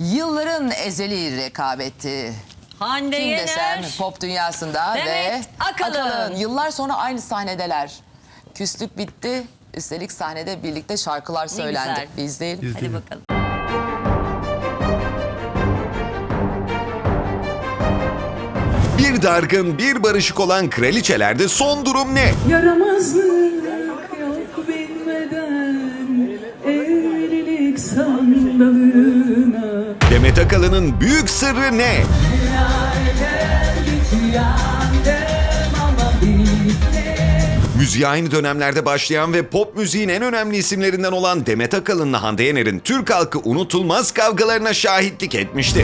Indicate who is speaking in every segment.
Speaker 1: Yılların ezeli rekabeti.
Speaker 2: Hande
Speaker 1: Kim desem
Speaker 2: Yener,
Speaker 1: pop dünyasında
Speaker 2: Demet
Speaker 1: ve
Speaker 2: Akalın.
Speaker 1: Yıllar sonra aynı sahnedeler. Küslük bitti. Üstelik sahnede birlikte şarkılar söylendi.
Speaker 2: güzel.
Speaker 1: Bir izleyelim.
Speaker 2: Hadi bakalım.
Speaker 3: Bir dargın, bir barışık olan kraliçelerde son durum ne?
Speaker 4: Yaramazlık yok bilmeden evlilik sandalına.
Speaker 3: Demet Akalın'ın büyük sırrı ne? Müziğe aynı dönemlerde başlayan ve pop müziğin en önemli isimlerinden olan Demet Akalın'la Hande Yener'in Türk halkı unutulmaz kavgalarına şahitlik etmişti.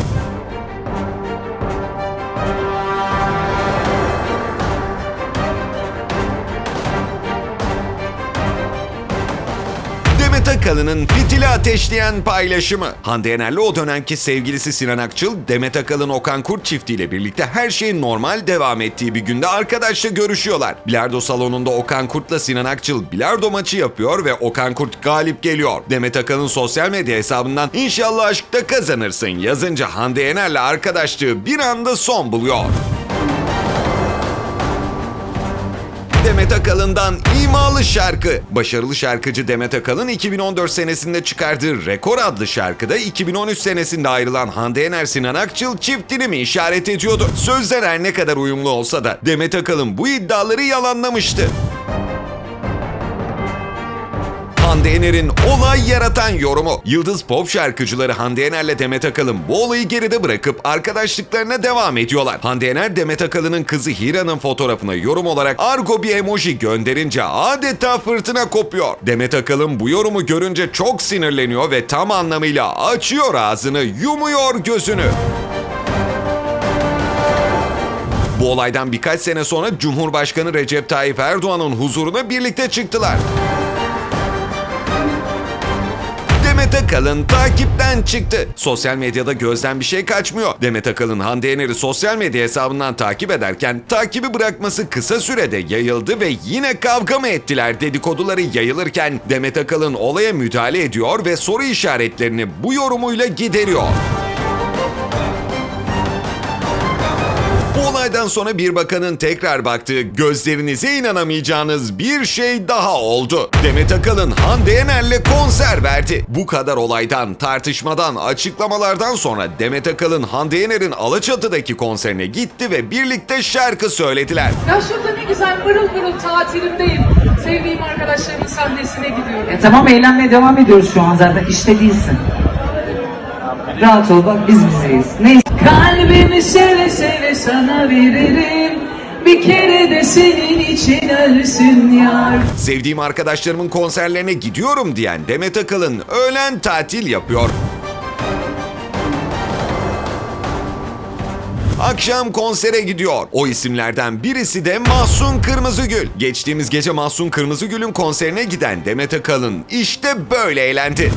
Speaker 3: Demet Akalın'ın fitili ateşleyen paylaşımı. Hande Yener'le o dönemki sevgilisi Sinan Akçıl, Demet Akalın-Okan Kurt çiftiyle birlikte her şeyin normal devam ettiği bir günde arkadaşla görüşüyorlar. Bilardo salonunda Okan Kurt'la Sinan Akçıl bilardo maçı yapıyor ve Okan Kurt galip geliyor. Demet Akalın sosyal medya hesabından "İnşallah aşkta kazanırsın" yazınca Hande Yener'le arkadaşlığı bir anda son buluyor. Demet Akalın'dan imalı şarkı. Başarılı şarkıcı Demet Akalın 2014 senesinde çıkardığı Rekor adlı şarkıda 2013 senesinde ayrılan Hande Yener Sinan Akçıl çiftini mi işaret ediyordu? Sözler her ne kadar uyumlu olsa da Demet Akalın bu iddiaları yalanlamıştı. Hande Yener'in olay yaratan yorumu. Yıldız pop şarkıcıları Hande Yener'le Demet Akalın bu olayı geride bırakıp arkadaşlıklarına devam ediyorlar. Hande Yener, Demet Akalın'ın kızı Hira'nın fotoğrafına yorum olarak argo bir emoji gönderince adeta fırtına kopuyor. Demet Akalın bu yorumu görünce çok sinirleniyor ve tam anlamıyla açıyor ağzını, yumuyor gözünü. Bu olaydan birkaç sene sonra Cumhurbaşkanı Recep Tayyip Erdoğan'ın huzuruna birlikte çıktılar. Demet Akalın takipten çıktı. Sosyal medyada gözden bir şey kaçmıyor. Demet Akalın Hande Yener'i sosyal medya hesabından takip ederken takibi bırakması kısa sürede yayıldı ve yine kavga mı ettiler dedikoduları yayılırken Demet Akalın olaya müdahale ediyor ve soru işaretlerini bu yorumuyla gideriyor. Bu olaydan sonra bir bakanın tekrar baktığı gözlerinize inanamayacağınız bir şey daha oldu. Demet Akalın Hande Yener'le konser verdi. Bu kadar olaydan, tartışmadan, açıklamalardan sonra Demet Akalın Hande Yener'in Alaçatı'daki konserine gitti ve birlikte şarkı söylediler.
Speaker 5: Ya şurada ne güzel pırıl pırıl tatilimdeyim. Sevdiğim arkadaşlarımın sahnesine gidiyorum.
Speaker 4: Tamam, eğlenmeye devam ediyoruz şu an, zaten işte değilsin. Rahat ol, bak biz bizeyiz. Neyse. Kalbimi seve seve sana veririm. Bir kere de senin için ölsün yar.
Speaker 3: Sevdiğim arkadaşlarımın konserlerine gidiyorum diyen Demet Akalın öğlen tatil yapıyor. Akşam konsere gidiyor. O isimlerden birisi de Mahsun Kırmızıgül. Geçtiğimiz gece Mahsun Kırmızıgül'ün konserine giden Demet Akalın işte böyle eğlendi.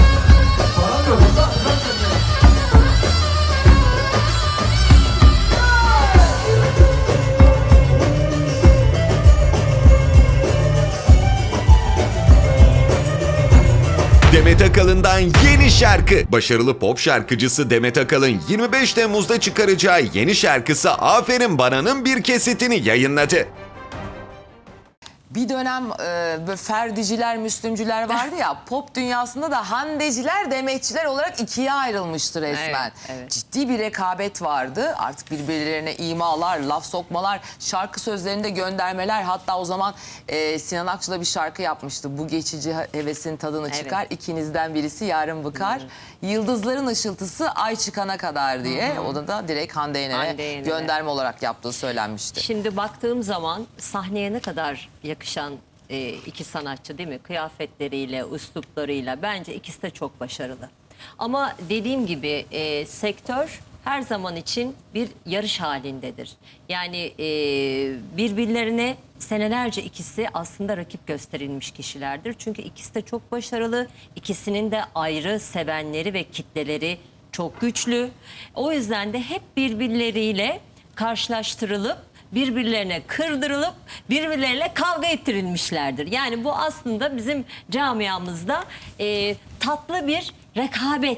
Speaker 3: Demet Akalın'dan yeni şarkı. Başarılı pop şarkıcısı Demet Akalın 25 Temmuz'da çıkaracağı yeni şarkısı Aferin Bana'nın bir kesitini yayınladı.
Speaker 1: Bir dönem böyle Ferdiciler, Müslümcüler vardı ya, pop dünyasında da Handeciler, Demetçiler olarak ikiye ayrılmıştı resmen.
Speaker 2: Evet, evet.
Speaker 1: Ciddi bir rekabet vardı. Artık birbirlerine imalar, laf sokmalar, şarkı sözlerinde göndermeler. Hatta o zaman Sinan Akçıl'a bir şarkı yapmıştı. Bu geçici hevesin tadını çıkar, ikinizden birisi yarın bıkar. Yıldızların ışıltısı ay çıkana kadar diye. O da direkt Hande Yener'e gönderme olarak yaptığı söylenmişti.
Speaker 2: Şimdi baktığım zaman sahneye ne kadar yakışan iki sanatçı değil mi? Kıyafetleriyle, üsluplarıyla bence ikisi de çok başarılı. Ama dediğim gibi sektör her zaman için bir yarış halindedir. Yani birbirlerine senelerce ikisi aslında rakip gösterilmiş kişilerdir. Çünkü ikisi de çok başarılı. İkisinin de ayrı sevenleri ve kitleleri çok güçlü. O yüzden de hep birbirleriyle karşılaştırılıp birbirlerine kırdırılıp birbirleriyle kavga ettirilmişlerdir. Yani bu aslında bizim camiamızda tatlı bir rekabet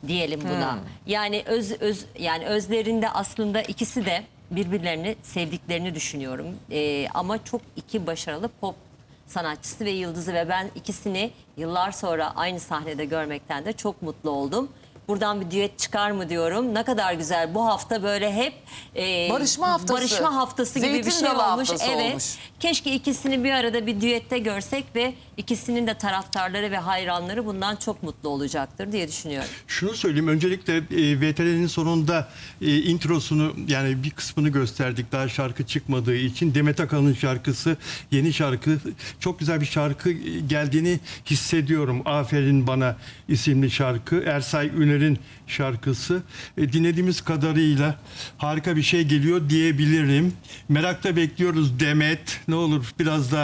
Speaker 2: diyelim buna. Yani yani özlerinde aslında ikisi de birbirlerini sevdiklerini düşünüyorum. Ama çok iki başarılı pop sanatçısı ve yıldızı ve ben ikisini yıllar sonra aynı sahnede görmekten de çok mutlu oldum. Buradan bir düet çıkar mı diyorum. Ne kadar güzel. Bu hafta böyle hep
Speaker 1: Barışma haftası.
Speaker 2: Barışma haftası gibi
Speaker 1: Zeytin
Speaker 2: bir şey
Speaker 1: dalı
Speaker 2: olmuş.
Speaker 1: haftası
Speaker 2: Evet.
Speaker 1: olmuş.
Speaker 2: Keşke ikisini bir arada bir düette görsek ve ikisinin de taraftarları ve hayranları bundan çok mutlu olacaktır diye düşünüyorum.
Speaker 6: Şunu söyleyeyim, öncelikle VTR'nin sonunda introsunu, yani bir kısmını gösterdik daha şarkı çıkmadığı için. Demet Akalın'ın şarkısı, yeni şarkı, çok güzel bir şarkı geldiğini hissediyorum. Aferin Bana isimli şarkı, Ersay Üner'in şarkısı. Dinlediğimiz kadarıyla harika bir şey geliyor diyebilirim. Merakla bekliyoruz Demet. Ne olur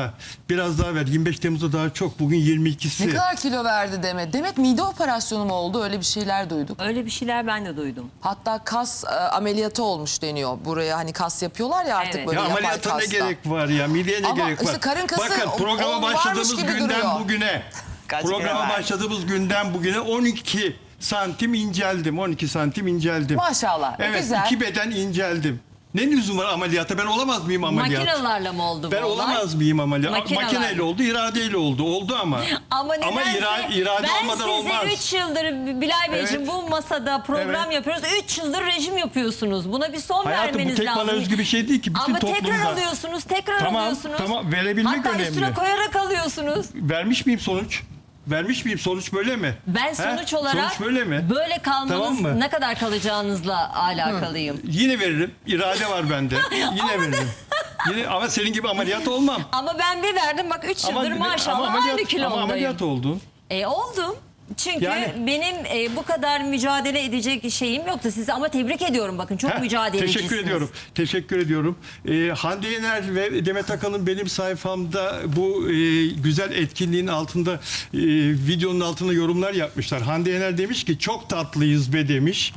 Speaker 6: biraz daha ver. 25 Temmuz'da daha çok. Bugün 22'si.
Speaker 1: Ne kadar kilo verdi Demet? Demet mide operasyonu mu oldu? Öyle bir şeyler duyduk.
Speaker 2: Öyle bir şeyler ben de duydum.
Speaker 1: Hatta kas ameliyatı olmuş deniyor. Buraya hani kas yapıyorlar ya artık
Speaker 2: Evet.
Speaker 1: böyle
Speaker 6: Ya
Speaker 1: yapay
Speaker 6: ameliyata ne
Speaker 1: kasla.
Speaker 6: gerek var ya? Mideye ne
Speaker 1: Ama
Speaker 6: gerek
Speaker 1: işte
Speaker 6: var?
Speaker 1: karın kası
Speaker 6: Bakın programa
Speaker 1: varmış
Speaker 6: başladığımız
Speaker 1: gibi
Speaker 6: günden
Speaker 1: duruyor.
Speaker 6: bugüne.
Speaker 1: Kaç kilo
Speaker 6: Programa
Speaker 1: verdi?
Speaker 6: başladığımız günden bugüne 12 santim inceldim. 12 santim inceldim.
Speaker 1: Maşallah.
Speaker 6: Evet,
Speaker 1: Güzel.
Speaker 6: 2 beden inceldim. Ne lüzum var ameliyata? Ben olamaz mıyım ameliyat?
Speaker 2: Makinelerle mi oldu bu
Speaker 6: Ben
Speaker 2: olay?
Speaker 6: olamaz mıyım ameliyat?
Speaker 2: Makinelerle.
Speaker 6: Makineyle oldu, iradeyle oldu. Oldu ama.
Speaker 2: Ama nedense
Speaker 6: irade
Speaker 2: ben
Speaker 6: olmadan olmaz.
Speaker 2: size 3 yıldır Bilal Beyciğim
Speaker 6: Evet.
Speaker 2: bu masada program
Speaker 6: Evet.
Speaker 2: yapıyoruz. 3 yıldır rejim yapıyorsunuz. Buna bir son
Speaker 6: Hayatım, bu
Speaker 2: vermeniz
Speaker 6: tek
Speaker 2: lazım.
Speaker 6: bana özgü bir şey değil ki. Bütün
Speaker 2: Ama tekrar
Speaker 6: toplumda.
Speaker 2: alıyorsunuz, tekrar
Speaker 6: Tamam,
Speaker 2: alıyorsunuz.
Speaker 6: tamam. Verebilmek
Speaker 2: Hatta
Speaker 6: önemli.
Speaker 2: üstüne koyarak alıyorsunuz.
Speaker 6: Vermiş miyim sonuç? Vermiş miyim sonuç, böyle mi?
Speaker 2: Ben
Speaker 6: He?
Speaker 2: sonuç olarak
Speaker 6: Sonuç böyle mi?
Speaker 2: böyle kalmanız
Speaker 6: Tamam mı?
Speaker 2: ne kadar kalacağınızla alakalıyım.
Speaker 6: Yine veririm. İrade var bende. Yine veririm. Yine, ama senin gibi ameliyat olmam.
Speaker 2: Ama ben bir verdim bak 3 yıldır maşallah aynı kilomdayım.
Speaker 6: Ama ameliyat oldun.
Speaker 2: Oldum. Çünkü
Speaker 6: Yani-
Speaker 2: benim bu kadar mücadele edecek şeyim yoktu size ama tebrik ediyorum bakın çok mücadelecisiniz.
Speaker 6: Teşekkür ediyorum. Teşekkür ediyorum. Hande Yener ve Demet Akalın benim sayfamda bu güzel etkinliğin altında videonun altına yorumlar yapmışlar. Hande Yener demiş ki çok tatlıyız be demiş.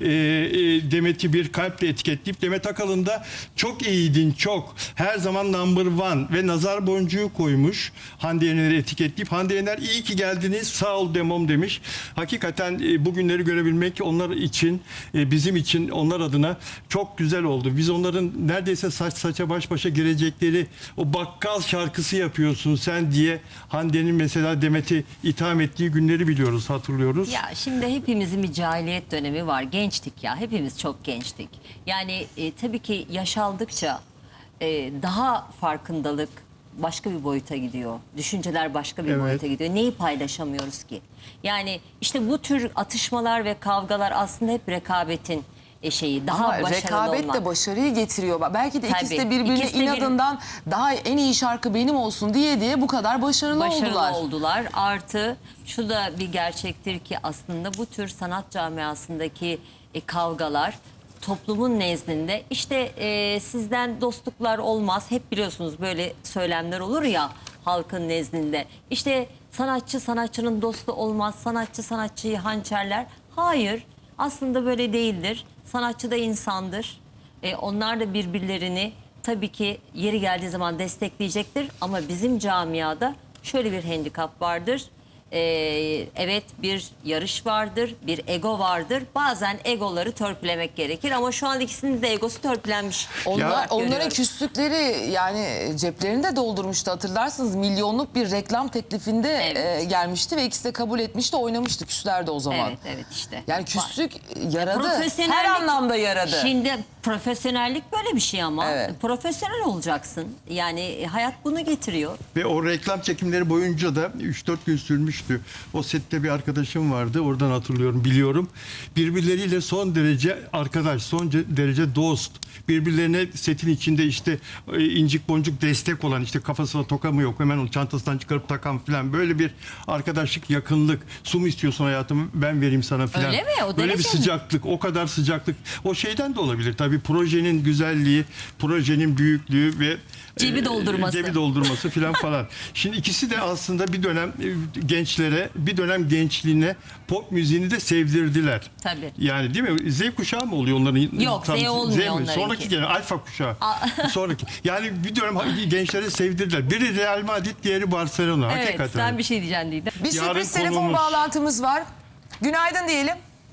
Speaker 6: Demet'i bir kalple etiketleyip Demet Akalın da çok iyiydin çok. Her zaman number one ve nazar boncuğu koymuş. Hande Yener'i etiketleyip Hande Yener iyi ki geldiniz sağ ol demom demiş. Hakikaten bugünleri görebilmek onlar için, bizim için, onlar adına çok güzel oldu. Biz onların neredeyse saç saça baş başa girecekleri o bakkal şarkısı yapıyorsun sen diye Hande'nin mesela Demet'i itham ettiği günleri biliyoruz, hatırlıyoruz.
Speaker 2: Ya şimdi hepimizin bir cahiliyet dönemi var. Gençtik ya. Hepimiz çok gençtik. Yani tabii ki yaş aldıkça daha farkındalık başka bir boyuta gidiyor. Düşünceler başka bir
Speaker 6: Evet.
Speaker 2: boyuta gidiyor. Neyi paylaşamıyoruz ki? Yani işte bu tür atışmalar ve kavgalar aslında hep rekabetin şeyi. Daha
Speaker 1: Ama
Speaker 2: başarılı
Speaker 1: rekabet
Speaker 2: olmak.
Speaker 1: de başarıyı getiriyor. Belki de ikisi de
Speaker 2: Tabii.
Speaker 1: birbirine
Speaker 2: İkisi de bir-
Speaker 1: inadından daha en iyi şarkı benim olsun diye bu kadar başarılı oldular.
Speaker 2: Artı şu da bir gerçektir ki aslında bu tür sanat camiasındaki kavgalar toplumun nezdinde işte sizden dostluklar olmaz. Hep biliyorsunuz böyle söylemler olur ya halkın nezdinde. İşte sanatçı sanatçının dostu olmaz. Sanatçı sanatçıyı hançerler. Hayır, aslında böyle değildir. Sanatçı da insandır. Onlar da birbirlerini tabii ki yeri geldiği zaman destekleyecektir. Ama bizim camiada şöyle bir handikap vardır. Evet bir yarış vardır, bir ego vardır. Bazen egoları törpülemek gerekir ama şu an ikisinin de egosu törpülenmiş.
Speaker 1: Onların
Speaker 2: Görüyorum.
Speaker 1: küslükleri yani ceplerini de doldurmuştu hatırlarsınız. Milyonluk bir reklam teklifinde
Speaker 2: Evet.
Speaker 1: gelmişti ve ikisi de kabul etmişti, oynamıştı. Küslerdi o zaman.
Speaker 2: Evet, evet işte.
Speaker 1: Yani küslük yaradı.
Speaker 2: Profesyonellik-
Speaker 1: Her anlamda yaradı.
Speaker 2: Şimdi profesyonellik böyle bir şey ama
Speaker 1: Evet.
Speaker 2: profesyonel olacaksın. Yani hayat bunu getiriyor.
Speaker 6: Ve o reklam çekimleri boyunca da 3-4 gün sürmüştü. O sette bir arkadaşım vardı. Oradan hatırlıyorum, biliyorum. Birbirleriyle son derece arkadaş, son derece dost. Birbirlerine setin içinde işte incik boncuk destek olan, işte kafasına toka mı yok hemen onu çantasından çıkarıp takan falan, böyle bir arkadaşlık, yakınlık. Su mu istiyorsun hayatım, ben vereyim sana falan.
Speaker 2: Öyle mi? O
Speaker 6: böyle bir
Speaker 2: derece mi?
Speaker 6: sıcaklık, o kadar sıcaklık. O şeyden de olabilir tabii, projenin güzelliği, projenin büyüklüğü ve
Speaker 2: Cebi doldurması.
Speaker 6: cebi doldurması falan. Şimdi ikisi de aslında bir dönem gençlere, bir dönem gençliğine pop müziğini de sevdirdiler.
Speaker 2: Tabii.
Speaker 6: Yani değil mi? Z kuşağı mı oluyor onların?
Speaker 2: Yok, Z olmuyor
Speaker 6: mi?
Speaker 2: onlarınki.
Speaker 6: Sonraki gelen alfa kuşağı. Sonraki. Yani bir dönem gençlere sevdirdiler. Biri Real Madrid, diğeri Barcelona.
Speaker 2: Evet,
Speaker 6: Hakikaten.
Speaker 2: sen bir şey diyeceksin Didem.
Speaker 1: Bir
Speaker 6: Yarın
Speaker 1: sürpriz telefon
Speaker 6: konuğumuz-
Speaker 1: bağlantımız var. Günaydın diyelim.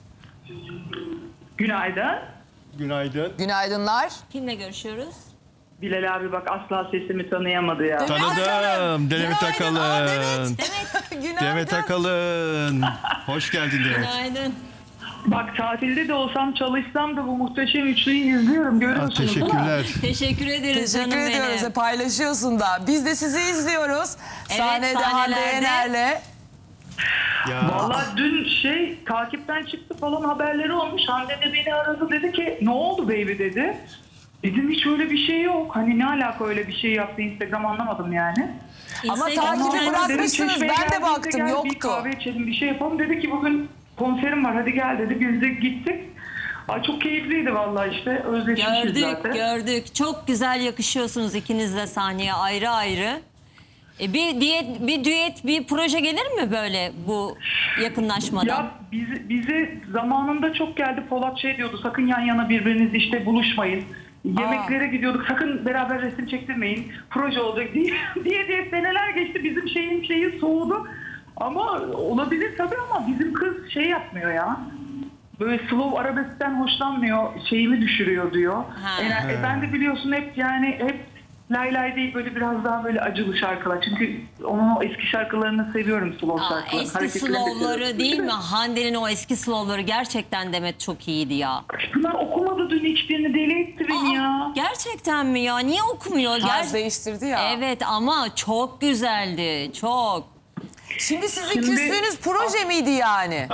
Speaker 7: Günaydın.
Speaker 6: Günaydın.
Speaker 1: Günaydınlar.
Speaker 2: Kimle görüşüyoruz?
Speaker 7: Bilal abi bak asla sesimi tanıyamadı ya.
Speaker 6: Tanıdım. Demet Akalın.
Speaker 1: Günaydın.
Speaker 6: Demet Akalın. Hoş geldin Demet.
Speaker 2: Günaydın.
Speaker 7: Bak tatilde de olsam çalışsam da bu muhteşem üçlüyü izliyorum. Görüyorsunuz değil mi?
Speaker 6: Teşekkürler.
Speaker 2: Teşekkür ederiz
Speaker 1: Teşekkür
Speaker 2: canım
Speaker 1: ediyoruz.
Speaker 2: benim.
Speaker 1: Paylaşıyorsun da. Biz de sizi izliyoruz.
Speaker 2: Evet,
Speaker 1: Sahnede Hande
Speaker 2: sahnelerde.
Speaker 1: Yener'le.
Speaker 6: Ya.
Speaker 7: Vallahi dün takipten çıktı falan haberleri olmuş. Hande de beni aradı dedi ki ne oldu baby dedi. Dedim hiç öyle bir şey yok. Hani ne alaka öyle bir şey yaptı Instagram anlamadım yani.
Speaker 1: Ama
Speaker 2: Instagram'dan
Speaker 1: takibi
Speaker 7: Dedim,
Speaker 1: bırakmışsınız.
Speaker 7: Çeşme'ye
Speaker 1: Ben de
Speaker 7: geldiğinde
Speaker 1: baktım,
Speaker 7: gel, Bir
Speaker 1: yoktu.
Speaker 7: kahve içelim bir şey yapalım. Dedi ki bugün konserim var hadi gel dedi. Biz de gittik. Ay çok keyifliydi vallahi işte. Özleşmişiz zaten.
Speaker 2: Gördük. Çok güzel yakışıyorsunuz ikiniz de sahneye ayrı ayrı. Bir düet, bir proje gelir mi böyle bu yakınlaşmadan?
Speaker 7: Ya bize zamanında çok geldi. Polat diyordu sakın yan yana birbiriniz işte buluşmayın. Yemeklere gidiyorduk sakın beraber resim çektirmeyin. Proje olacak diye seneler geçti. Bizim şeyi soğudu. Ama olabilir tabii ama bizim kız yapmıyor ya. Böyle slow arabeskten hoşlanmıyor. Şeyimi düşürüyor diyor.
Speaker 2: Ha.
Speaker 7: Ben de biliyorsun hep lay lay değil böyle biraz daha böyle acılı şarkılar. Çünkü onun o eski şarkılarını seviyorum slow şarkılar.
Speaker 2: Eski
Speaker 7: Hareketlerini
Speaker 2: slow'ları
Speaker 7: seviyorum.
Speaker 2: değil mi? Hande'nin o eski slow'ları gerçekten Demet çok iyiydi ya.
Speaker 7: Pınar okumadı dün hiçbirini deli etti beni ya.
Speaker 2: Gerçekten mi ya? Niye okumuyor?
Speaker 1: Tarz değiştirdi ya.
Speaker 2: Evet ama çok güzeldi. Çok.
Speaker 1: Şimdi sizin
Speaker 7: Şimdi-
Speaker 1: küstüğünüz proje miydi yani?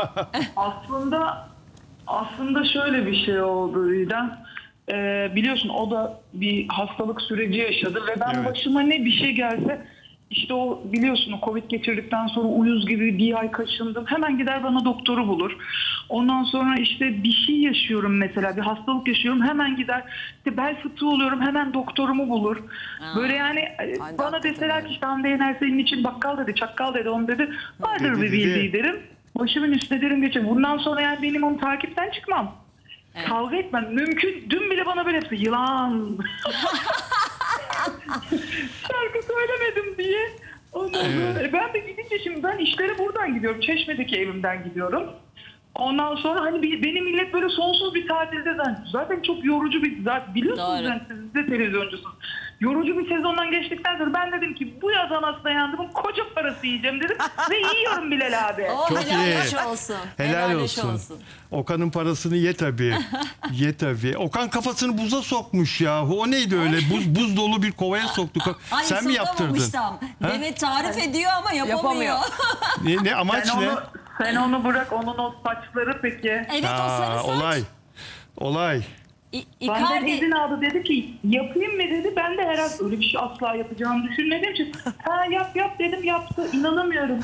Speaker 7: Aslında şöyle bir şey oldu Didem. Biliyorsun o da bir hastalık süreci yaşadı ve ben
Speaker 6: Evet.
Speaker 7: başıma ne bir şey gelse işte o biliyorsun o Covid geçirdikten sonra uyuz gibi bir ay kaşındım. Hemen gider bana doktoru bulur. Ondan sonra işte bir şey yaşıyorum mesela bir hastalık yaşıyorum hemen gider işte bel fıtığı oluyorum hemen doktorumu bulur. Böyle yani bana
Speaker 1: hakikaten
Speaker 7: deseler
Speaker 1: öyle.
Speaker 7: ki işte Hande Yener senin için bakkal dedi çakkal dedi onu dedi vardır
Speaker 6: Dedi,
Speaker 7: bir
Speaker 6: dedi.
Speaker 7: bildiği derim. Başımın üstüne derim geçer. Bundan sonra yani benim onu takipten çıkmam. Kavga etmem. Mümkün. Dün bile bana böyle yaptı. Yılan. Şarkı söylemedim diye. Ondan sonra, ben de gidince şimdi ben işlere buradan gidiyorum. Çeşme'deki evimden gidiyorum. Ondan sonra hani benim millet böyle sonsuz bir tatilde zaten çok yorucu zaten biliyorsunuz
Speaker 2: Doğru.
Speaker 7: yani siz de televizyoncusunuz. Yorucu bir sezondan geçtikten sonra ben dedim ki bu yaz anasına yandım koca parası yiyeceğim dedim ve yiyorum Bilal abi.
Speaker 2: Oh,
Speaker 6: Çok
Speaker 2: helal
Speaker 6: iyi.
Speaker 2: hoş olsun.
Speaker 6: Helal
Speaker 2: hoş
Speaker 6: olsun. Okan'ın parasını ye tabii. Ye tabii. Okan kafasını buza sokmuş ya. O neydi öyle? Buz dolu bir kovaya soktuk.
Speaker 2: Ay,
Speaker 6: Sen mi yaptırdın?
Speaker 2: sokamamıştım.
Speaker 6: Ha?
Speaker 2: Demet tarif ediyor ama yapamıyor.
Speaker 1: Yapamıyor.
Speaker 6: Ne amaç ne?
Speaker 7: Sen onu bırak onun o saçları peki.
Speaker 2: Evet o sarı saç.
Speaker 6: Olay.
Speaker 7: Benden
Speaker 2: Icardi.
Speaker 7: izin aldı dedi ki yapayım mı dedi. Ben de herhalde öyle bir şey asla yapacağımı düşünmediğim için yap dedim yaptı. İnanamıyorum.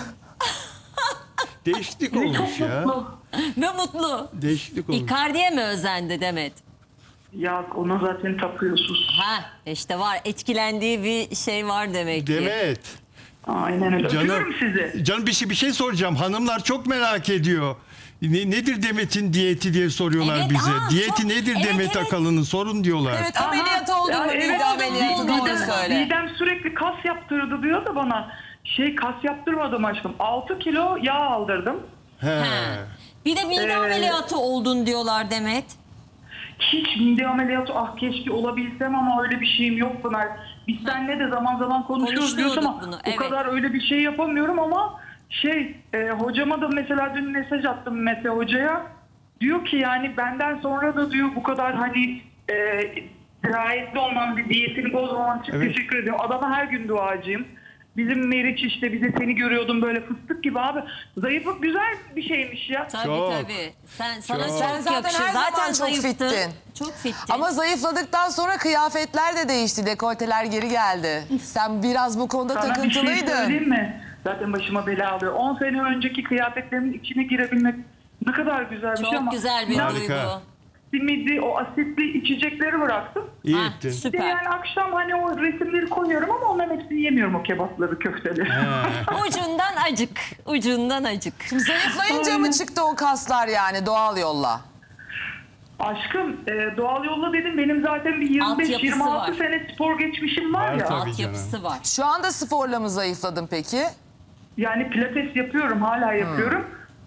Speaker 6: Değişiklik
Speaker 7: Ve
Speaker 6: olmuş
Speaker 7: çok
Speaker 6: ya.
Speaker 7: mutlu.
Speaker 2: Ve mutlu.
Speaker 6: Değişiklik olmuş.
Speaker 2: Icardi'ye mi özendi Demet?
Speaker 7: Ya ona zaten tapıyorsunuz.
Speaker 2: Ha işte var etkilendiği bir şey var demek ki.
Speaker 6: Demet.
Speaker 7: Aynen öyle. Öpüyorum sizi.
Speaker 6: Canım bir şey soracağım. Hanımlar çok merak ediyor. Nedir Demet'in diyeti diye soruyorlar
Speaker 2: Evet,
Speaker 6: bize.
Speaker 2: aa,
Speaker 6: Diyeti
Speaker 2: çok-
Speaker 6: nedir
Speaker 2: evet,
Speaker 6: Demet
Speaker 2: evet.
Speaker 6: Akalın'ın sorun diyorlar.
Speaker 1: Evet ameliyat oldu mu?
Speaker 7: Ya,
Speaker 1: Mide
Speaker 7: evet,
Speaker 1: ameliyatı
Speaker 2: oldu.
Speaker 1: doğru söyle.
Speaker 7: Didem sürekli kas yaptırdı diyor da bana. Kas yaptırmadım aşkım. 6 kilo yağ aldırdım.
Speaker 6: He.
Speaker 2: Ha. Bir de mide ameliyatı oldun diyorlar Demet.
Speaker 7: Hiç mide ameliyatı keşke olabilsem ama öyle bir şeyim yok Pınar. Biz seninle de zaman zaman konuşuyoruz diyorsun ama
Speaker 2: Konuşuyorduk bunu,
Speaker 7: o
Speaker 2: evet.
Speaker 7: kadar öyle bir şey yapamıyorum ama hocama da mesela dün mesaj attım hocaya. Diyor ki yani benden sonra da diyor bu kadar hani dirayetli olman, bir diyetini bozmaman için
Speaker 6: Evet.
Speaker 7: teşekkür ediyorum. Adama her gün duacıyım. Bizim Meriç işte bir de seni görüyordum böyle fıstık gibi abi. Zayıflık güzel bir şeymiş ya.
Speaker 2: Tabii
Speaker 6: Çok.
Speaker 2: tabii. Sana
Speaker 6: Çok.
Speaker 2: çok
Speaker 1: Sen zaten
Speaker 2: yakışır.
Speaker 1: her zaman çok
Speaker 2: zayıftın.
Speaker 1: fittin.
Speaker 2: Çok fittin.
Speaker 1: Ama zayıfladıktan sonra kıyafetler de değişti. Dekolteler geri geldi. Sen biraz bu konuda
Speaker 7: Sana bir şey
Speaker 1: takıntılıydın.
Speaker 7: söyleyeyim mi? Zaten başıma bela alıyor. 10 sene önceki kıyafetlerimin içine girebilmek ne kadar güzel bir şey
Speaker 2: çok
Speaker 7: ama
Speaker 2: güzel bir
Speaker 6: Harika.
Speaker 2: duygu.
Speaker 7: simidi, o asitli içecekleri bıraktım.
Speaker 6: İyi
Speaker 2: Ah,
Speaker 6: ettin.
Speaker 7: Bir de
Speaker 2: süper.
Speaker 7: yani akşam hani o resimleri koyuyorum ama onların hepsini yemiyorum o kebapları, köfteleri.
Speaker 2: Ucundan acık. Ucundan acık.
Speaker 1: Zayıflayınca mı çıktı o kaslar yani doğal yolla?
Speaker 7: Aşkım doğal yolla dedim benim zaten bir
Speaker 2: Altyapısı
Speaker 7: 25-26
Speaker 2: var.
Speaker 7: sene spor geçmişim var
Speaker 6: Var
Speaker 7: ya.
Speaker 6: tabii.
Speaker 2: Altyapısı var.
Speaker 1: Şu anda sporla mı zayıfladın peki?
Speaker 7: Yani pilates yapıyorum hala yapıyorum.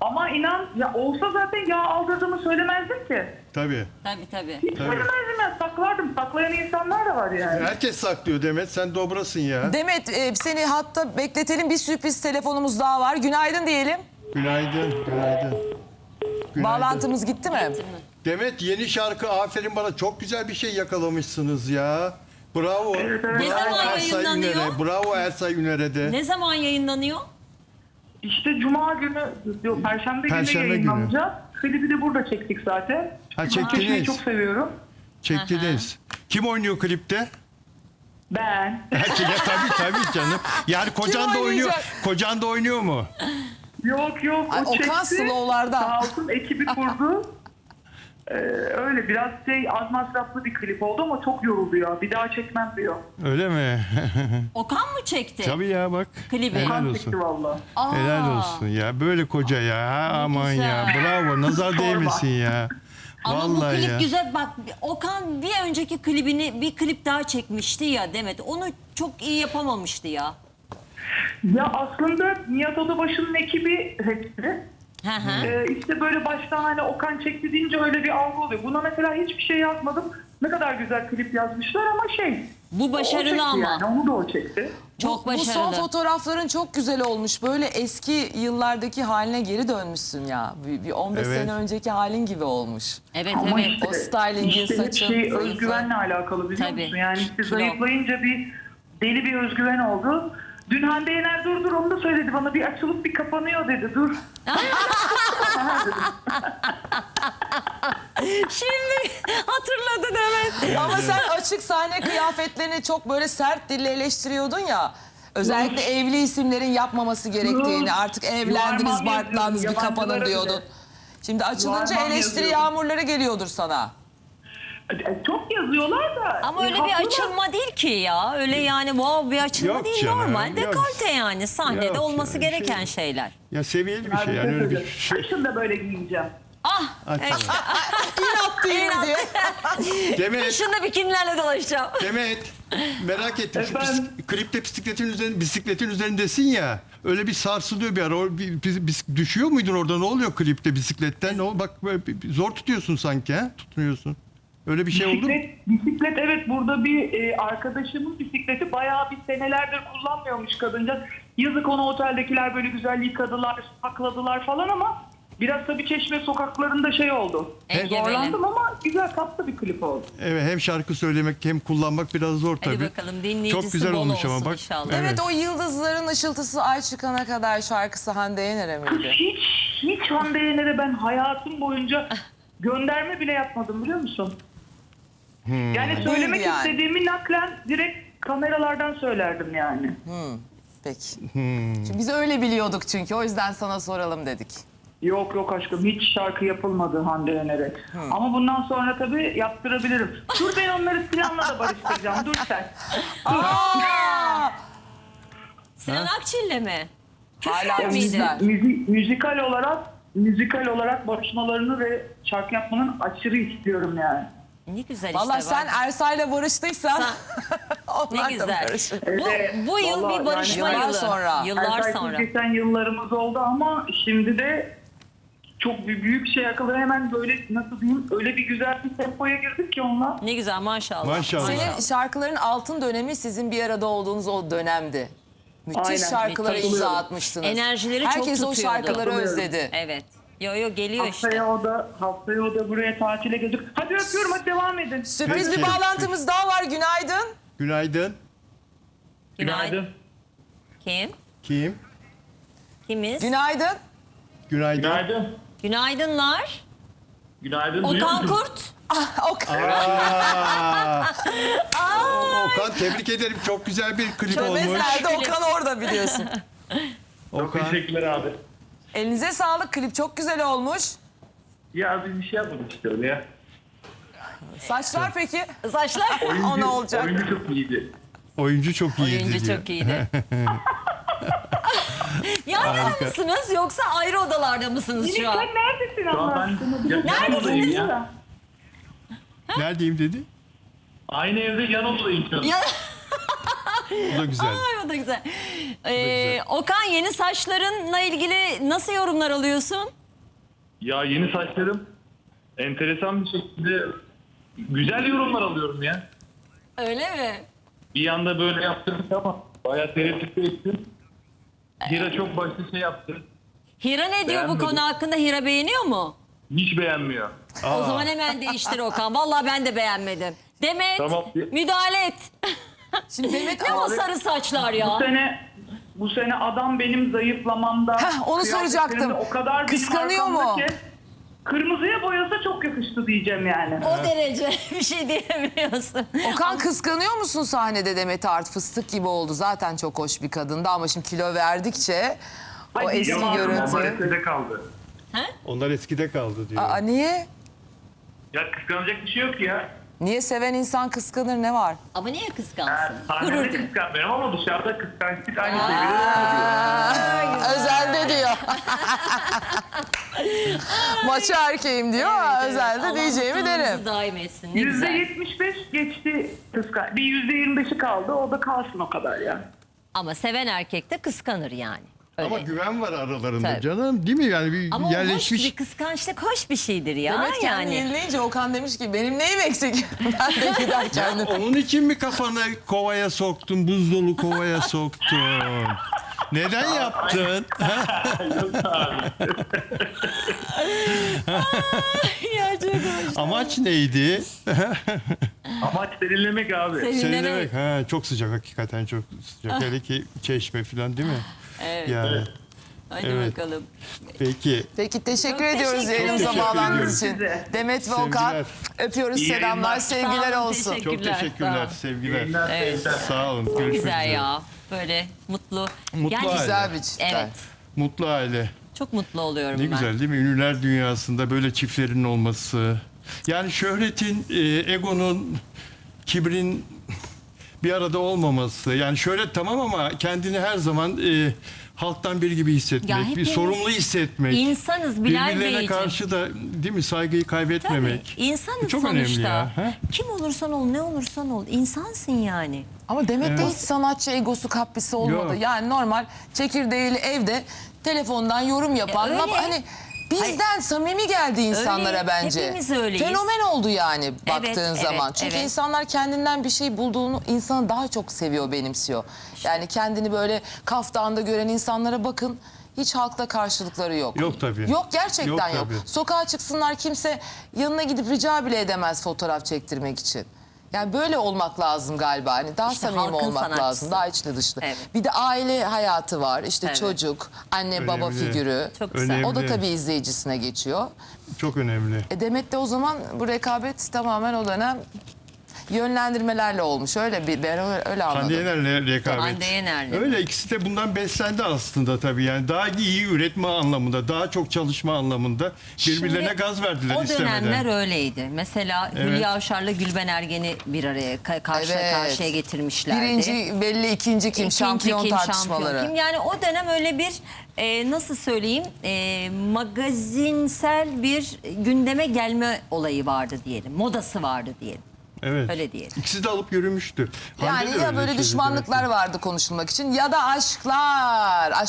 Speaker 7: Ama inan ya olsa zaten yağ aldırdığımı söylemezdim ki.
Speaker 6: Tabii.
Speaker 2: Tabii.
Speaker 7: Hiç söylemezdim ya, saklardım. Saklayan insanlar da var yani.
Speaker 6: Herkes saklıyor Demet. Sen dobrasın ya.
Speaker 1: Demet seni hatta bekletelim, bir sürpriz telefonumuz daha var. Günaydın diyelim.
Speaker 6: Günaydın.
Speaker 1: Bağlantımız gitti mi?
Speaker 6: Demet, yeni şarkı Aferin Bana, çok güzel bir şey yakalamışsınız ya. Bravo.
Speaker 2: Ne zaman yayınlanıyor?
Speaker 6: Bravo Ersay Üner'e de.
Speaker 2: Ne zaman yayınlanıyor?
Speaker 7: İşte Cuma günü, yok Perşembe günü
Speaker 6: Perşembe günü.
Speaker 7: yayınlanacak. Klibi de burada çektik zaten.
Speaker 6: Ha,
Speaker 7: Çekmeyi
Speaker 6: çektiniz.
Speaker 7: çok seviyorum.
Speaker 6: Çektiniz. Kim oynuyor klipte?
Speaker 7: Ben.
Speaker 6: Tabii canım. Yani kocan da oynuyor.
Speaker 1: oynayacak?
Speaker 6: Kocan da oynuyor mu?
Speaker 7: Yok
Speaker 1: Ay,
Speaker 7: o çekti.
Speaker 1: Okan Slow'larda.
Speaker 7: Sağ olsun ekibi kurdu. Öyle biraz az masraflı bir klip oldu ama çok yoruldu ya. Bir daha çekmem diyor.
Speaker 6: Öyle mi?
Speaker 2: Okan mı çekti
Speaker 6: Tabii ya, bak.
Speaker 2: klibi?
Speaker 6: Helal
Speaker 7: Kan
Speaker 6: olsun.
Speaker 7: çekti valla.
Speaker 6: Helal olsun ya. Böyle koca ya. Ha, aman ya.
Speaker 2: güzel.
Speaker 6: Bravo. Nazar değmesin ya.
Speaker 2: Ama bu
Speaker 6: Vallahi
Speaker 2: klip
Speaker 6: ya.
Speaker 2: güzel. Bak Okan bir önceki klibini bir klip daha çekmişti ya Demet. Onu çok iyi yapamamıştı ya.
Speaker 7: Ya aslında Nihat Odabaşı'nın ekibi hepsi.
Speaker 2: Hı hı.
Speaker 7: İşte böyle baştan hani Okan çekti deyince öyle bir algı oluyor. Buna mesela hiçbir şey yazmadım. Ne kadar güzel klip yazmışlar ama
Speaker 2: Bu
Speaker 7: o
Speaker 2: başarılı
Speaker 7: çekti
Speaker 2: ama.
Speaker 7: yani, onu da o çekti.
Speaker 2: Çok
Speaker 1: Bu son
Speaker 2: başarılı.
Speaker 1: fotoğrafların çok güzel olmuş. Böyle eski yıllardaki haline geri dönmüşsün ya. Bir 15
Speaker 6: Evet.
Speaker 1: sene önceki halin gibi olmuş.
Speaker 2: Evet
Speaker 7: Ama
Speaker 2: evet.
Speaker 7: işte,
Speaker 1: O stylingin,
Speaker 7: hep
Speaker 1: saçın,
Speaker 7: şey
Speaker 1: zayıflığı.
Speaker 7: özgüvenle alakalı biliyor
Speaker 2: Tabii.
Speaker 7: musun? Yani işte
Speaker 2: Kilo.
Speaker 7: zayıflayınca bir deli bir özgüven oldu. Dün Hande Yener dur onu da söyledi bana, bir açılıp bir kapanıyor dedi, dur.
Speaker 2: Şimdi hatırladı Demet.
Speaker 1: Ama sen açık sahne kıyafetlerini çok böyle sert dille eleştiriyordun ya. Özellikle evli isimlerin yapmaması gerektiğini, artık evlendiniz,
Speaker 7: Yuvarlan
Speaker 1: barklandınız, bir
Speaker 7: yazıyorum,
Speaker 1: kapanın
Speaker 7: yabancılara
Speaker 1: diyordun.
Speaker 7: bile.
Speaker 1: Şimdi açılınca
Speaker 7: Yuvarlan
Speaker 1: eleştiri
Speaker 7: yazıyorum.
Speaker 1: yağmurları geliyordur sana.
Speaker 7: Çok yazıyorlar da.
Speaker 2: Ama öyle bir
Speaker 7: haklılar.
Speaker 2: açılma değil ki ya. Öyle yani wow bir açılma
Speaker 6: Yok
Speaker 2: değil,
Speaker 6: canım,
Speaker 2: normal.
Speaker 6: yok.
Speaker 2: Dekolte yani sahnede
Speaker 6: Yok
Speaker 2: olması
Speaker 6: yani,
Speaker 2: gereken şeyler.
Speaker 6: Ya seviyeli bir
Speaker 7: Abi,
Speaker 6: şey. Yani öyle bir
Speaker 7: söyleyeyim.
Speaker 6: şey.
Speaker 7: Kışın da böyle giyineceğim.
Speaker 2: Ah!
Speaker 6: Açsana.
Speaker 1: İnat değil mi diye.
Speaker 6: Demet,
Speaker 2: Kışında bikinilerle dolaşacağım.
Speaker 6: Demet. Merak ettim. Şu
Speaker 7: Efendim?
Speaker 6: klipte bisikletin üzerindesin ya. Öyle bir sarsılıyor bir ara. Düşüyor muydun orada? Ne oluyor klipte bisikletten? Bak böyle zor tutuyorsun sanki, ha? Tutmuyorsun. Öyle bir şey oldu mu?
Speaker 7: Bisiklet evet, burada bir arkadaşımın bisikleti bayağı bir senelerdir kullanmıyormuş kadıncağız. Yazık, ona oteldekiler böyle güzel yıkadılar, sakladılar falan ama biraz tabii Çeşme sokaklarında şey oldu.
Speaker 2: Engebeli.
Speaker 7: Zorlandım ama güzel, tatlı bir klip oldu.
Speaker 6: Evet, hem şarkı söylemek hem kullanmak biraz zor tabii.
Speaker 2: Hadi bakalım, dinleyicisi
Speaker 6: Çok güzel
Speaker 2: bol
Speaker 6: olmuş ama
Speaker 2: olsun
Speaker 6: bak.
Speaker 2: inşallah.
Speaker 1: Evet, o yıldızların ışıltısı ay çıkana kadar şarkısı Hande Yener'e miydi?
Speaker 7: Hiç Hande Yener'e ben hayatım boyunca gönderme bile yapmadım, biliyor musun? Yani söylemek
Speaker 1: Değil yani.
Speaker 7: istediğimi naklen direkt kameralardan söylerdim yani.
Speaker 1: Peki. Çünkü biz öyle biliyorduk çünkü, o yüzden sana soralım dedik.
Speaker 7: Yok aşkım, hiç şarkı yapılmadı Hande Yener'e. Ama bundan sonra tabii yaptırabilirim. Dur, ben onları Sinan'la da barıştıracağım. Dur sen.
Speaker 1: Aa!
Speaker 2: Sinan Akçil'le mi?
Speaker 1: Hala
Speaker 2: Küfür müydü?
Speaker 1: bizler.
Speaker 7: Müzikal olarak barışmalarını ve şarkı yapmanın aşırı istiyorum yani.
Speaker 2: Ne güzel
Speaker 1: Valla
Speaker 2: işte.
Speaker 1: sen
Speaker 2: bak.
Speaker 1: Ersay'la barıştıysan onlar
Speaker 2: Ne
Speaker 1: da
Speaker 2: güzel.
Speaker 1: barışır.
Speaker 2: Bu yıl
Speaker 7: Vallahi
Speaker 2: bir barışma
Speaker 1: yani yıllar
Speaker 2: yılı.
Speaker 1: sonra.
Speaker 2: Yıllar
Speaker 7: Ersay
Speaker 2: sonra.
Speaker 7: geçen yıllarımız oldu ama şimdi de çok büyük şey yakaladı. Hemen böyle nasıl diyeyim, öyle bir güzel bir tempoya girdik ki onunla.
Speaker 2: Ne güzel maşallah.
Speaker 6: Maşallah.
Speaker 1: Senin şarkıların altın dönemi sizin bir arada olduğunuz o dönemdi. Müthiş
Speaker 7: Aynen,
Speaker 1: şarkılara
Speaker 2: müthiş.
Speaker 1: imza atmıştınız.
Speaker 2: Enerjileri çok
Speaker 1: Herkes o
Speaker 2: tutuyordu.
Speaker 1: şarkıları özledi.
Speaker 2: Evet. Yo geliyor işte.
Speaker 7: Haftaya o da buraya tatile gelecek. Hadi öpüyorum, hadi devam edin.
Speaker 1: Sürpriz
Speaker 6: Peki.
Speaker 1: bir bağlantımız daha var. Günaydın.
Speaker 6: Günaydın.
Speaker 2: Günaydın. Kim?
Speaker 6: Kim?
Speaker 2: Kimiz?
Speaker 1: Günaydın.
Speaker 6: Günaydın.
Speaker 8: Günaydın.
Speaker 2: Günaydınlar.
Speaker 8: Günaydın. duyuyor
Speaker 2: Okan
Speaker 8: musun?
Speaker 2: Kurt.
Speaker 6: Okan, tebrik ederim. Çok güzel bir klip
Speaker 1: Çömez
Speaker 6: olmuş.
Speaker 1: nerede? Okan orada biliyorsun.
Speaker 8: Çok
Speaker 6: Okan.
Speaker 8: teşekkürler abi.
Speaker 1: Elinize sağlık. Klip çok güzel olmuş.
Speaker 8: Ya biz bir şey yapmadık işte öyle ya.
Speaker 1: Saçlar peki?
Speaker 2: Saçlar.
Speaker 1: O ne olacak?
Speaker 8: Oyuncu çok iyiydi.
Speaker 6: Oyuncu çok iyiydi
Speaker 2: Oyuncu
Speaker 6: diyor.
Speaker 2: çok iyiydi. Yan yana mısınız yoksa ayrı odalarda mısınız şu an?
Speaker 7: Sen neredesin
Speaker 8: Şu
Speaker 7: Allah
Speaker 8: an
Speaker 7: aşkına?
Speaker 8: ben yan odadayım ya.
Speaker 6: Neredeyim dedi?
Speaker 8: Aynı evde yan odadayım şu an.
Speaker 2: Ya-
Speaker 6: Bu da güzel.
Speaker 2: Ay, o da güzel. Okan, yeni saçlarınla ilgili nasıl yorumlar alıyorsun?
Speaker 8: Ya yeni saçlarım enteresan bir şekilde güzel yorumlar alıyorum ya.
Speaker 2: Öyle mi?
Speaker 8: Bir yanda böyle yaptırdık ama bayağı tereddüt ettim. Hira çok başta şey yaptı.
Speaker 2: Hira ne diyor bu
Speaker 8: Beğenmedim.
Speaker 2: konu hakkında? Hira beğeniyor mu?
Speaker 8: Hiç beğenmiyor.
Speaker 2: O zaman hemen değiştir Okan. Vallahi ben de beğenmedim. Demet,
Speaker 8: Tamam.
Speaker 2: müdahale et.
Speaker 1: Şimdi Demet
Speaker 2: Ne o sarı saçlar ya?
Speaker 7: Bu sene adam benim zayıflamamda.
Speaker 1: Heh, onu soracaktım.
Speaker 7: kıyafetlerimde O kadar benim
Speaker 1: Kıskanıyor mu?
Speaker 7: arkamda ki, kırmızıya boyasa çok yakıştı diyeceğim yani.
Speaker 2: O derece bir şey diyemiyorsun.
Speaker 1: Okan, kıskanıyor musun sahnede Demet Art? Fıstık gibi oldu. Zaten çok hoş bir kadındı ama şimdi kilo verdikçe o
Speaker 7: Ay,
Speaker 1: eski
Speaker 7: yaman,
Speaker 8: Onlar
Speaker 1: görüntü.
Speaker 8: eskide kaldı.
Speaker 6: Onlar eskide kaldı diyor.
Speaker 1: Aa, niye?
Speaker 8: Ya kıskanacak bir şey yok ya.
Speaker 1: Niye seven insan kıskanır, ne var?
Speaker 2: Ama niye kıskansın? Gurur
Speaker 8: Sahnede
Speaker 2: duy.
Speaker 8: kıskanmıyorum ama dışarıda kıskançlık aynı seviyede.
Speaker 1: Özelde diyor. Maçı erkeğim diyor ama özelde
Speaker 2: Allah
Speaker 1: diyeceğimi
Speaker 2: mutluluğunuzu
Speaker 1: derim.
Speaker 2: daim etsin. Ne güzel.
Speaker 7: %75 geçti kıskan. Bir %25'i kaldı. O da kalsın o kadar ya.
Speaker 2: Ama seven erkek de kıskanır yani. Öyle.
Speaker 6: Ama güven var aralarında
Speaker 2: Tabii.
Speaker 6: canım, değil mi? Yani bir
Speaker 2: Ama o hoş
Speaker 6: yerleşmiş.
Speaker 2: bir kıskançlık, hoş bir şeydir ya.
Speaker 1: Demet kendini
Speaker 2: yani.
Speaker 1: yenileyince Okan demiş ki benim neyim eksik? Ben de gider kendim.
Speaker 6: Onun için mi kafanı kovaya soktun, buz dolu kovaya soktun? Neden yaptın?
Speaker 2: Ya çok hoş.
Speaker 6: Amaç neydi?
Speaker 8: Amaç derinlemek abi.
Speaker 6: Serinlemek. Ha, çok sıcak, hakikaten çok sıcak. Hele ki Çeşme falan, değil mi?
Speaker 2: Evet.
Speaker 6: Yani.
Speaker 2: Hadi
Speaker 6: Evet.
Speaker 2: bakalım.
Speaker 6: Peki.
Speaker 1: Peki teşekkür
Speaker 2: Çok
Speaker 1: ediyoruz
Speaker 2: teşekkür
Speaker 1: yayınımıza
Speaker 6: ederim.
Speaker 1: bağlandığınız için.
Speaker 7: Size.
Speaker 1: Demet ve Okan
Speaker 6: Sevgiler.
Speaker 1: öpüyoruz,
Speaker 8: İyi
Speaker 1: selamlar,
Speaker 8: yayınlar.
Speaker 1: sevgiler
Speaker 2: Sağ olun,
Speaker 1: olsun.
Speaker 2: teşekkür-
Speaker 6: Çok teşekkürler,
Speaker 2: Sağ olun.
Speaker 6: sevgiler.
Speaker 8: Yayınlar,
Speaker 2: Evet.
Speaker 8: sevgiler.
Speaker 6: Sağ olun.
Speaker 2: Çok
Speaker 6: Görüşmek
Speaker 2: güzel
Speaker 6: üzere.
Speaker 2: ya. Böyle mutlu.
Speaker 6: Mutlu
Speaker 2: Gerçekten-
Speaker 6: aile.
Speaker 1: Güzel bir çiftler.
Speaker 2: Evet.
Speaker 6: Mutlu aile.
Speaker 2: Çok mutlu oluyorum
Speaker 6: Ne
Speaker 2: ben.
Speaker 6: güzel değil mi? Ünlüler dünyasında böyle çiftlerin olması. Yani şöhretin, egonun, kibrin bir arada olmaması. Yani şöhret tamam ama kendini her zaman halktan biri gibi hissetmek,
Speaker 2: Ya
Speaker 6: bir
Speaker 2: hepimiz
Speaker 6: sorumlu hissetmek.
Speaker 2: insanız Bilal
Speaker 6: Birbirlerine
Speaker 2: Beyciğim.
Speaker 6: karşı da, değil mi, saygıyı kaybetmemek.
Speaker 2: Tabii. İnsanız
Speaker 6: Çok
Speaker 2: sonuçta.
Speaker 6: önemli ya. Ha?
Speaker 2: Kim olursan ol, ne olursan ol. İnsansın yani.
Speaker 1: Ama Demet'te hiç sanatçı egosu kaprisi olmadı.
Speaker 6: Yok.
Speaker 1: Yani normal çekirdeğiyle evde telefondan yorum yapan.
Speaker 2: öyle.
Speaker 1: Hani bizden samimi geldi insanlara
Speaker 2: Öyle,
Speaker 1: bence.
Speaker 2: hepimiz öyleyiz.
Speaker 1: Fenomen oldu yani baktığın
Speaker 2: evet,
Speaker 1: zaman. Çünkü
Speaker 2: evet.
Speaker 1: insanlar kendinden bir şey bulduğunu insanı daha çok seviyor, benimsiyor. Yani kendini böyle kaftanda gören insanlara bakın. Hiç halkta karşılıkları yok.
Speaker 6: Yok tabii.
Speaker 1: Yok, gerçekten
Speaker 6: Yok
Speaker 1: yok.
Speaker 6: tabii.
Speaker 1: Sokağa çıksınlar, kimse yanına gidip rica bile edemez fotoğraf çektirmek için. Yani böyle olmak lazım galiba. Hani daha
Speaker 2: İşte
Speaker 1: samimi
Speaker 2: halkın
Speaker 1: olmak
Speaker 2: sanatçısı.
Speaker 1: lazım. Daha içli dışlı.
Speaker 2: Evet.
Speaker 1: Bir de aile hayatı var. İşte
Speaker 2: Evet.
Speaker 1: çocuk, anne baba
Speaker 6: Önemli.
Speaker 1: figürü.
Speaker 2: Çok güzel.
Speaker 1: O da
Speaker 6: Önemli.
Speaker 1: tabii izleyicisine geçiyor.
Speaker 6: Çok önemli.
Speaker 1: Demet de o zaman bu rekabet tamamen o dönem yönlendirmelerle olmuş. Öyle ben öyle anladım.
Speaker 6: Hande Yener'le rekabet.
Speaker 2: Hande Yener'le.
Speaker 6: Öyle, ikisi de bundan beslendi aslında tabii. Yani daha iyi üretme anlamında, daha çok çalışma anlamında birbirlerine
Speaker 2: Şimdi
Speaker 6: gaz verdiler
Speaker 2: o
Speaker 6: istemeden.
Speaker 2: dönemler öyleydi. Mesela Hülya Avşar'la Gülben Ergen'i bir araya karşı
Speaker 1: Evet.
Speaker 2: karşıya getirmişlerdi.
Speaker 1: Birinci belli, ikinci kim?
Speaker 2: İkinci
Speaker 1: Şampiyon
Speaker 2: kim,
Speaker 1: tartışmaları.
Speaker 2: şampiyon kim? Yani o dönem öyle bir nasıl söyleyeyim magazinsel bir gündeme gelme olayı vardı diyelim. Modası vardı diyelim.
Speaker 6: Evet.
Speaker 2: Öyle diyelim.
Speaker 6: İkisi de alıp yürümüştü. Hande
Speaker 1: Yani
Speaker 6: de
Speaker 1: ya
Speaker 6: öyle
Speaker 1: böyle
Speaker 6: şeydi
Speaker 1: düşmanlıklar
Speaker 6: demek ki.
Speaker 1: vardı konuşulmak için ya da aşklar.